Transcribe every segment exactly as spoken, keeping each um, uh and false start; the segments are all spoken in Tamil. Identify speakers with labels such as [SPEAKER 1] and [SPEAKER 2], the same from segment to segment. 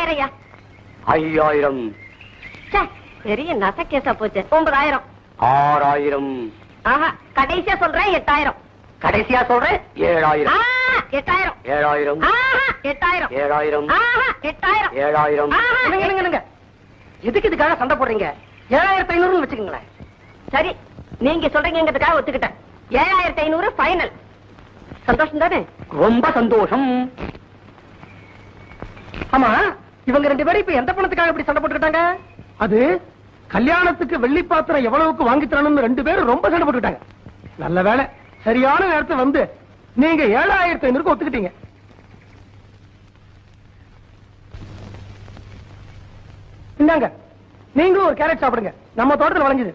[SPEAKER 1] ஐயாயிரம்.
[SPEAKER 2] ஐயாயிரம்.
[SPEAKER 1] பெரிய நசக்கேசா போச்சு. ஒன்பதாயிரம்.
[SPEAKER 2] ஆறாயிரம்.
[SPEAKER 1] ஆஹா, கடைசியா சொல்றேன் எட்டாயிரம்.
[SPEAKER 2] கடைசியா சொல்றேன் ஏழாயிரம்.
[SPEAKER 1] எட்டாயிரம்.
[SPEAKER 2] ஏழாயிரம்.
[SPEAKER 1] எட்டாயிரம்.
[SPEAKER 2] ஏழாயிரம்.
[SPEAKER 1] எட்டாயிரம்.
[SPEAKER 2] ஏழாயிரம்.
[SPEAKER 3] எதுக்கு இதுக்காக சண்டை போடுறீங்க? ஏழாயிரத்தி ஐநூறு வச்சுக்கோங்களேன்.
[SPEAKER 1] சரி, நீங்க சொல்றீங்கிறதுக்காக ஒத்துக்கிட்டேன். ஏழாயிரத்தி ஐநூறு ஃபைனல். சந்தோஷம் தானே?
[SPEAKER 2] ரொம்ப சந்தோஷம்.
[SPEAKER 3] ஆமா, இவங்க ரெண்டு பேரும் இப்ப எந்த பணத்துக்காக இப்படி சண்டை போட்டுக்கிட்டாங்க? அது கல்யாணத்துக்கு வெள்ளி பாத்திரம் எவ்வளவுக்கு வாங்கி தரணும்னு ரெண்டு பேரும் ரொம்ப சண்டை போட்டுக்கிட்டாங்க. நல்ல வேலை, சரியான நேரத்தை வந்து நீங்க ஏழாயிரத்தி ஐநூறுக்கு ஒத்துக்கிட்டீங்க. இந்தாங்க, நீங்களும் ஒரு கேரட் சாப்பிடுங்க. நம்ம தோட்டத்தில் வளைஞ்சது.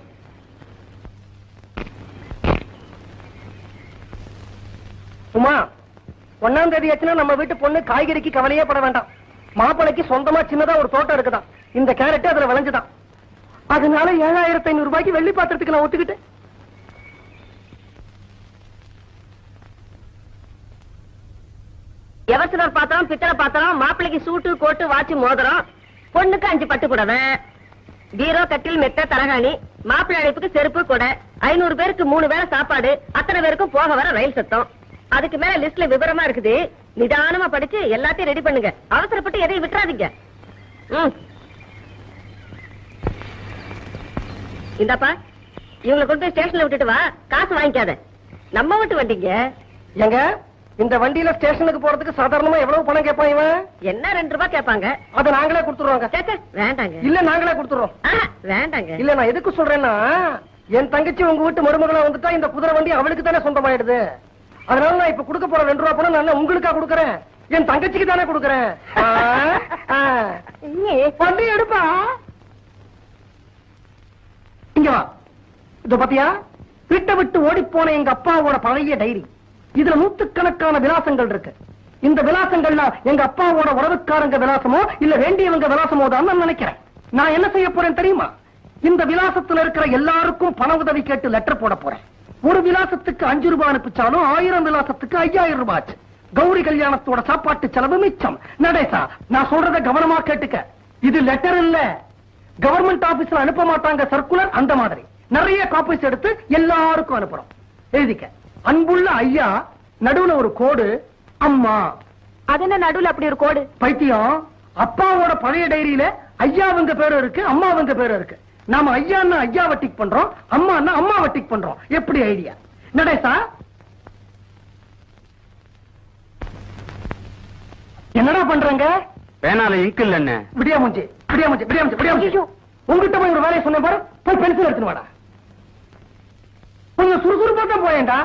[SPEAKER 3] உமா, ஒன்னாம் தேதி ஆச்சுன்னா நம்ம வீட்டு பொண்ணு காய்கறிக்கு கவலையே பட வேண்டாம். மாப்பிளைக்கு சொந்தமா சின்னதா ஒரு தோட்டம் இருக்குதான். இந்த கேரட் அதுல விளைஞ்சுதான். அதனால ஏழாயிரத்தி ஐநூறு ரூபாய்க்கு வெள்ளி பாத்திரத்துக்கு நான் ஒத்துக்கிட்டேன்.
[SPEAKER 1] எவசனர் பாத்திரம், பித்தளை பாத்திரம், மாப்பிளைக்கு சூட்டு, கோட்டு, வாட்சி, மோதிரம், பொண்ணுக்கு அஞ்சு பட்டு புடவை, பீரோ, கட்டில், மெத்த, தலகாணி, மாப்பிள்ளை அழைப்புக்கு செருப்பு, கொடை, ஐநூறு பேருக்கு மூணு வேளை சாப்பாடு, அத்தனை பேருக்கும் போக வர ரயில் சத்தம். அதுக்கு மேல லிஸ்ட்ல விவரமா இருக்குது. நிதானமா படிச்சு எல்லாத்தையும் ரெடி பண்ணுங்க. அவசரப்பட்டு எதையும் விட்டுறாதீங்க. இந்தாப்பா, இவங்களை கொண்டு போய் ஸ்டேஷன்ல விட்டுட்டு வா. காசு வாங்கிக்காத. நம்ம விட்டு வண்டிங்க.
[SPEAKER 3] எங்க இந்த வண்டியில ஸ்டேஷனுக்கு போறதுக்கு சாதாரணமா எவ்வளவு பணம் கேட்பான் இவன்?
[SPEAKER 1] என்ன ரெண்டு ரூபாய் கேட்பாங்க.
[SPEAKER 3] அதை நாங்களே கொடுத்துருவாங்க.
[SPEAKER 1] வேண்டாங்க.
[SPEAKER 3] இல்ல நாங்களே கொடுத்துறோம்.
[SPEAKER 1] வேண்டாங்க.
[SPEAKER 3] இல்ல, நான் எதுக்கு சொல்றேன்னா, என் தங்கச்சி உங்க வீட்டு மருமகளா வந்துட்டா இந்த குதிரை வண்டி அவளுக்கு தானே சொந்தமாயிடுது. அதனால நான் இப்ப கொடுக்க போற ரெண்டு ரூபா பணம் நான் உங்களுக்கா கொடுக்கறேன், என் தங்கச்சிக்கு தானே கொடுக்கறேன். வண்டி எடுப்பா. இங்க வா. இத பாத்தியா, வீட்டை விட்டு ஓடி போன எங்க அப்பாவோட பழைய டைரி. இதுல நூத்துக்கணக்கான விலாசங்கள் இருக்கு. இந்த விலாசங்கள்ல எங்க அப்பாவோட உறவுக்காரங்க விலாசமோ இல்ல வேண்டியவங்க விலாசமோ தான் நான் நினைக்கிறேன். நான் என்ன செய்ய போறேன் தெரியுமா? இந்த விலாசத்துல இருக்கிற எல்லாருக்கும் பண உதவி கேட்டு லெட்டர் போட போறேன். ஒரு விலாசத்துக்கு அஞ்சு ரூபாய் அனுப்பிச்சாலும் ஆயிரம் விலாசத்துக்கு ஐயாயிரம் ரூபாய் ஆச்சு. கௌரி கல்யாணத்தோட சாப்பாட்டு செலவு மிச்சம். நடேசா, நான் சொல்றத கவனமா கேட்டுக்க. இது லெட்டர் இல்ல, கவர்மெண்ட் ஆபீஸ்ல அனுப்ப மாட்டாங்க சர்க்குலர். அந்த மாதிரி நிறைய காப்பீஸ் எடுத்து எல்லாருக்கும் அனுப்புறோம். எழுதிக்க. அன்புள்ள ஐயா, நடுவுல ஒரு கோடு, அம்மா.
[SPEAKER 1] அது என்ன நடுவுல அப்படி ஒரு கோடு?
[SPEAKER 3] பைத்தியம், அப்பாவோட பழைய டைரியில ஐயாவுங்க பேரு இருக்கு, அம்மாவுங்க பேரு இருக்கு. நாம ஐயான்னா ஐயாவை டிக் பண்றோம், அம்மான்னா அம்மாவை டிக் பண்றோம். எப்படி ஐடியா நடேசா? என்னடா பண்றங்க?
[SPEAKER 2] பேனால இங்க் இல்ல. என்ன
[SPEAKER 3] விடியா மூஞ்சி, விடியா மூஞ்சி, விடியா மூஞ்சி, விடியா மூஞ்சி. உங்ககிட்ட போய் ஒரு வேலையை சொன்ன பாரு, போய் பென்சில் எடுத்துன்னு வாடா. கொஞ்சம் சுறுசுறுப்பா தான் போயேன்டா.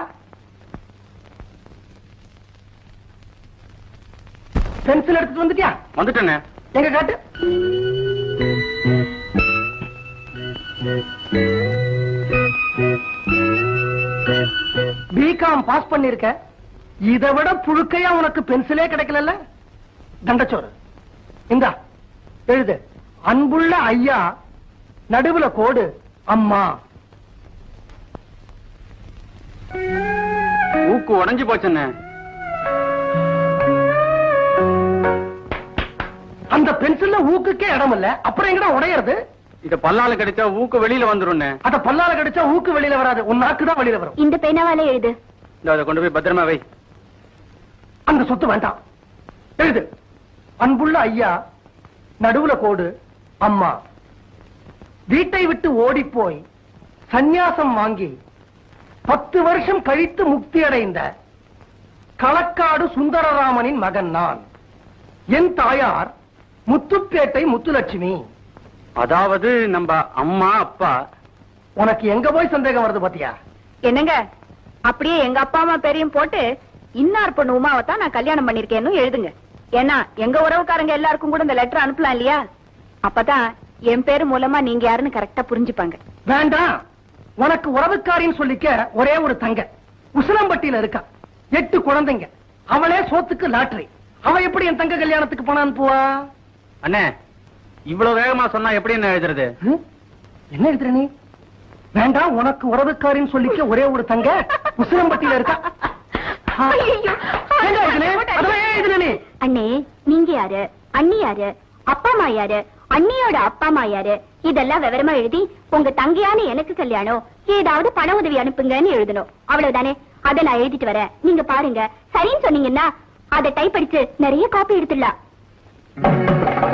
[SPEAKER 3] பென்சில் எடுத்துட்டு வந்துட்டியா?
[SPEAKER 2] வந்துட்டேனே.
[SPEAKER 3] எங்க காட்டு. பிகாம் பாஸ் பண்ணிருக்க, இதை விட புழுக்கையா உனக்கு பென்சிலே கிடைக்கல. தண்டச்சோறு இந்தா எழுது. அன்புள்ள ஐயா, நடுவுல கோடு, அம்மா.
[SPEAKER 2] ஊக்கு உடைஞ்சு போச்சுன்னு.
[SPEAKER 3] அந்த பென்சில்ல ஊக்குக்கே இடம் இல்ல, அப்புறம் எங்கடா உடையறது?
[SPEAKER 2] இத பல்லால கடிச்சா ஊக்கு வெளியில வந்துரும்.
[SPEAKER 3] அத பல்லால கடிச்சா ஊக்கு வெளியில வராது, உன் நாக்கு தான் வெளியில வரும்.
[SPEAKER 1] இந்த பேனாவால எழுது.
[SPEAKER 2] அதை கொண்டு போய் பத்திரமா வை.
[SPEAKER 3] அந்த சொத்து வேண்டாம். எழுது. அன்புள்ள ஐயா, நடுவுல கோடு, அம்மா. வீட்டை விட்டு ஓடி போய் சந்நியாசம் வாங்கி பத்து வருஷம் கழித்து முக்தி அடைந்த களக்காடு சுந்தரராமனின் மகன் நான். என் தாயார் முத்துப்பேட்டை முத்துலட்சுமி.
[SPEAKER 2] அதாவது நம்ம அம்மா அப்பா.
[SPEAKER 3] உனக்கு எங்க போய் சந்தேகம் வருது பாத்தியா?
[SPEAKER 1] என்னங்க, அப்படியே எங்க அப்பா அம்மா பேரையும் போட்டு இன்னார் பொண்ணு உமாவத்தான் நான் கல்யாணம் பண்ணிருக்கேன்னு எழுதுங்க. ஏன்னா எங்க உறவுக்காரங்க எல்லாருக்கும் கூட இந்த லெட்டர் அனுப்பலாம் இல்லையா? அப்பதான் என் பேரு மூலமா நீங்க யாருன்னு கரெக்டா புரிஞ்சுப்பாங்க.
[SPEAKER 3] வேண்டாம், உனக்கு உறவுக்காரின்னு சொல்லிக்க ஒரே ஒரு தங்க உசிலம்பட்டியில இருக்கா. எட்டு குழந்தைங்க, அவளே சோத்துக்கு லாட்டரி. அவ எப்படி என் தங்க கல்யாணத்துக்கு பணம் அனுப்புவா?
[SPEAKER 2] அண்ணே, இவ்வளவு வேகமா சொன்னா எப்படி என்ன எழுதுறது?
[SPEAKER 3] என்ன எழுதுற நீ? வேண்டாம், உனக்கு உறவுக்காரின்னு சொல்லிக்க ஒரே ஒரு தங்க உசிலம்பட்டியில இருக்கா.
[SPEAKER 1] அண்ணே, நீங்க யாரு, அண்ணி யாரு,
[SPEAKER 4] அப்பா அம்மா யாரு, அண்ணியோட அப்பா அம்மா யாரு, இதெல்லாம் விவரமா எழுதி உங்க தங்கையான எனக்கு கல்யாணம், ஏதாவது பண உதவி அனுப்புங்கன்னு எழுதணும். அவ்வளவுதானே? அதை நான் எழுதிட்டு வரேன், நீங்க பாருங்க. சரின்னு சொன்னீங்கன்னா அதை டைப் அடிச்சு நிறைய காப்பி எடுத்துடலாம்.